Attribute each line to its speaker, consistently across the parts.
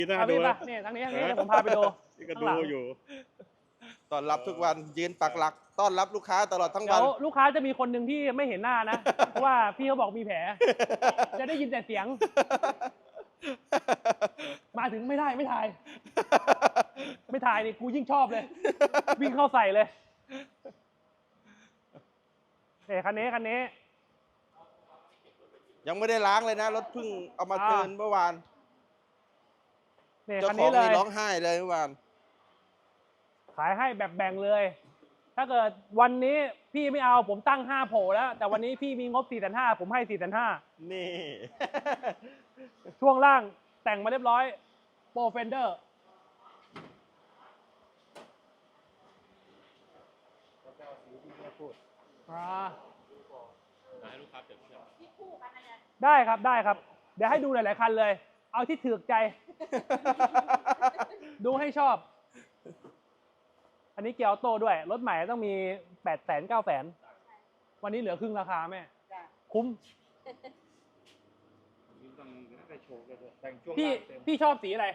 Speaker 1: น่าดู
Speaker 2: พี่ปะเนี่ยทางนี้เดี๋ยวผมพาไปดู
Speaker 1: นี่ก็
Speaker 2: ข้าง
Speaker 1: ดู
Speaker 2: หลัง
Speaker 1: อยู่
Speaker 3: ต้อนรับทุกวันยืนปักหลักต้อนรับลูกค้าตลอดทั้ง
Speaker 2: เดี๋
Speaker 3: วั
Speaker 2: ย
Speaker 3: น
Speaker 2: วลูกค้าจะมีคนหนึ่งที่ไม่เห็นหน้านะ เพราะว่าพี่เขาบอกมีแผล จะได้ยินแต่เสียง มาถึงไม่ได้ไม่ถ่าย ไม่ถ่ายนี่กูยิ่งชอบเลย วิ่งเข้าใส่เลยคันนี้
Speaker 3: ยังไม่ได้ล้างเลยนะรถเพิ่งเอามาเทิร์นเมื่อวาน
Speaker 2: เนี่ย
Speaker 3: เจ้า
Speaker 2: คัน
Speaker 3: ขอ
Speaker 2: นี้
Speaker 3: ง
Speaker 2: เล
Speaker 3: นี่
Speaker 2: ย
Speaker 3: ร้องไห้เลยเมื่อวาน
Speaker 2: ขายให้แบบแบ่งเลย ถ้าเกิดวันนี้พี่ไม่เอาผมตั้ง5โผล่แล้ว แต่วันนี้พี่มีงบ4,500ผมให้4,500
Speaker 3: นี่
Speaker 2: ช่วงล่างแต่งมาเรียบร้อยโปรเฟนเดอร์ได้ครับได้ครับ เดี๋ยวให้ดูหลาย ๆ คันเลย เอาที่ถือใจ ดูให้ชอบ อันนี้เกียร์ออโต้ด้วย รถใหม่ต้องมี800,000 900,000วันนี้เหลือครึ่งราคาแม่ คุ้ม พี่ชอบสีอะไร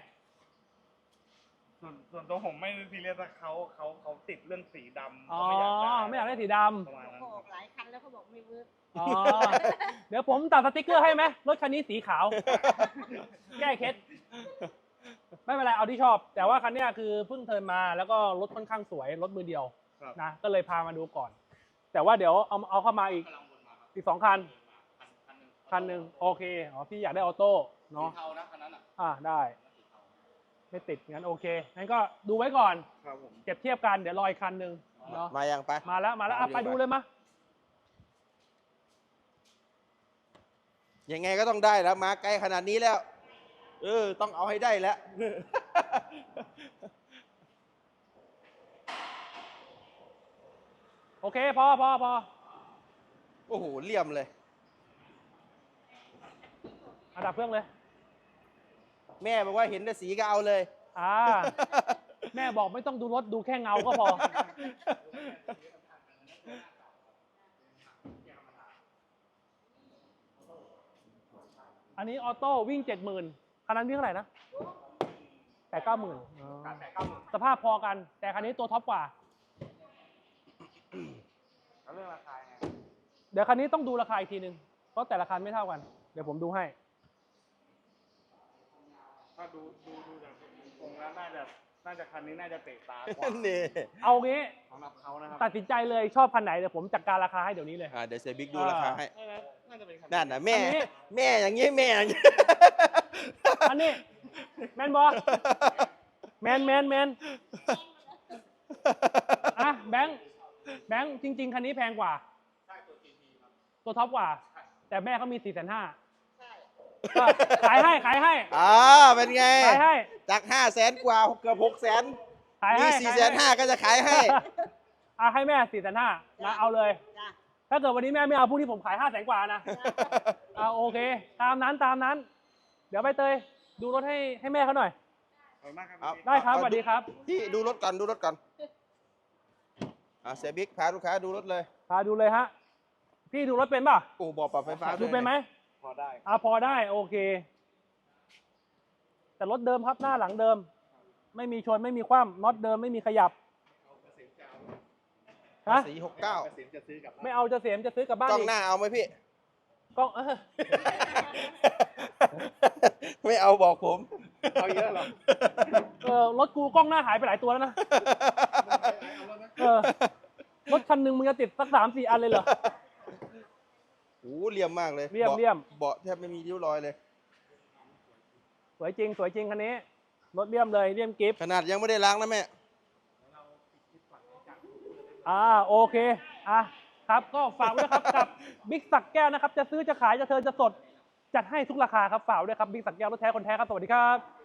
Speaker 1: ส่วนตัวผมไม่ซีเรียสว่าเขาติดเรื่องสีดำ
Speaker 2: อ๋อ ไม่อยากได้สีดำ
Speaker 1: ประมาณนั้น
Speaker 4: เขาออกหลายคันแล้วเขาบอกไม่เวิร์ก
Speaker 2: อ๋อ เดี๋ยวผมตัดสติ๊กเกอร์ให้ไหมรถคันนี้สีขาว แก้เคล็ดไม่เป็นไรเอาที่ชอบ แต่ว่าคันนี้คือเพิ่งเทิร์นมาแล้วก็รถค่อนข้างสวยรถมือเดียว
Speaker 1: ครับ
Speaker 2: นะก็เลยพามาดูก่อน แต่ว่าเดี๋ยวเอาเข้ามาอีก2 คันคันหนึ่งโอเคอ๋อพี่อยากได้ออโต้เนาะ
Speaker 3: สีเทานะคันนั้นอ่ะ
Speaker 2: ได้ไม่ติดงั้นโอเคงั้นก็ดูไว้ก่อน
Speaker 1: ครับผม
Speaker 2: เก็บเทียบกันเดี๋ยวรออีกคันหนึ่งเนาะ
Speaker 3: มายังไป
Speaker 2: มาแล้วอ่ะไปดูเลยมะ
Speaker 3: ยังไงก็ต้องได้แล้วมาไกลขนาดนี้แล้ว ต้องเอาให้ได้แล้ว
Speaker 2: โอเคพอ
Speaker 3: โอ้โหเลี่ยมเลย
Speaker 2: อันดับเครื่องเลย
Speaker 3: แม่บอกว่าเห็นแต่สีก็เอาเลย
Speaker 2: แม่บอกไม่ต้องดูรถดูแค่เงาก็พอ อันนี้ออโต้วิ่ง 70,000คันนั้นวิ่งเท่าไหร่นะ8-9 หมื่นสภาพพอกัน แต่คันนี้ตัวท็อปกว่า
Speaker 1: แล้วเรื่องราคาไง
Speaker 2: เดี๋ยวคันนี้ต้องดูราคาอีกทีนึง เพราะแต่ละคันไม่เท่ากัน เดี๋ยวผมดูให้
Speaker 1: ถ้าดูจากตรงแล้วน่าจะคันนี้น่าจะเตะตากว่า
Speaker 3: นี่
Speaker 2: เอางี้
Speaker 1: สำหรับเขานะครับ
Speaker 2: ตัดสินใจเลยชอบคันไหนเดี๋ยวผมจัดการราคาให้เดี๋ยวนี้เลย
Speaker 3: เดี๋ยวเซบิ๊กดูราคาให้
Speaker 1: น่าจะเป็นคัน
Speaker 3: นั่นนะแม่
Speaker 2: อันนี้
Speaker 3: แม่อย่างนี้แม่อย่างนี้
Speaker 2: อันนี้แมนบอแมนอ่ะแบงค์จริง ๆ คันนี้แพงกว่า ตัวท็อปกว่า แต่แม่เขามี4,500,000ก็ขายให้
Speaker 3: เป็นไง
Speaker 2: ขายให้
Speaker 3: จาก500,000 กว่าเกือบ600,000
Speaker 2: ขาย
Speaker 3: มี
Speaker 2: ให้
Speaker 3: 450,000ก็จะขายให้
Speaker 2: ให้แม่4,500,000นะเอาเลย
Speaker 4: จ้ะ
Speaker 2: ถ้าเกิดวันนี้แม่ไม่เอาพรุ่งนี้ผมขาย500,000 กว่านะโอเค ตามนั้น เดี๋ยวไปเตยดูรถให้แม่เขาหน่อย
Speaker 1: ขอบคุณมากครับ
Speaker 3: เอา
Speaker 2: ได้ครับสวัสดีครับ
Speaker 3: พี่ดูรถก่อนเซบิ๊กพาลูกค้าดูรถเลย
Speaker 2: พาดูเลยฮะพี่ดูรถเป็นป่ะ
Speaker 3: โอ้บอกปรับไฟฟ้า
Speaker 2: ดูเป็นไหม
Speaker 1: พอได้
Speaker 2: พอได้โอเค แต่รถเดิมครับหน้าหลังเดิม ไม่มีชนไม่มีคว่ำน็อตเดิมไม่มีขยับฮะ
Speaker 3: สี
Speaker 1: เกษมจะซื้อกลับ
Speaker 2: ไม่เอาจะเสียมจะซื้อกลับบ้าน
Speaker 3: 69 กล้อง
Speaker 2: อีก
Speaker 3: หน้าเอาไหมพี่
Speaker 2: กล้อง
Speaker 3: ไม่เอาบอกผม
Speaker 1: เอาเยอะหรอ
Speaker 2: รถกูกล้องหน้าหายไปหลายตัวแล้วนะรถคันหนึ่งมึงจะติดสัก3-4 อันเลยเหรอ
Speaker 3: โอ้เหลี่ยมมากเลย
Speaker 2: เลี่ยม
Speaker 3: เบาะแทบไม่มีริ้วรอยเลย
Speaker 2: สวยจริงคันนี้รถเลี่ยมเลยเลี่ยมกิฟต์
Speaker 3: ขนาดยังไม่ได้ล้างนะแม่
Speaker 2: โอเคครับก็ฝากไว้ด้วยครับกับบิ๊กสักแก้วนะครับจะซื้อจะขายจะเทิร์นจะสดจัดให้ทุกราคาครับฝากไว้ด้วยครับบิ๊กสักแก้วรถแท้คนแท้ครับสวัสดีครับ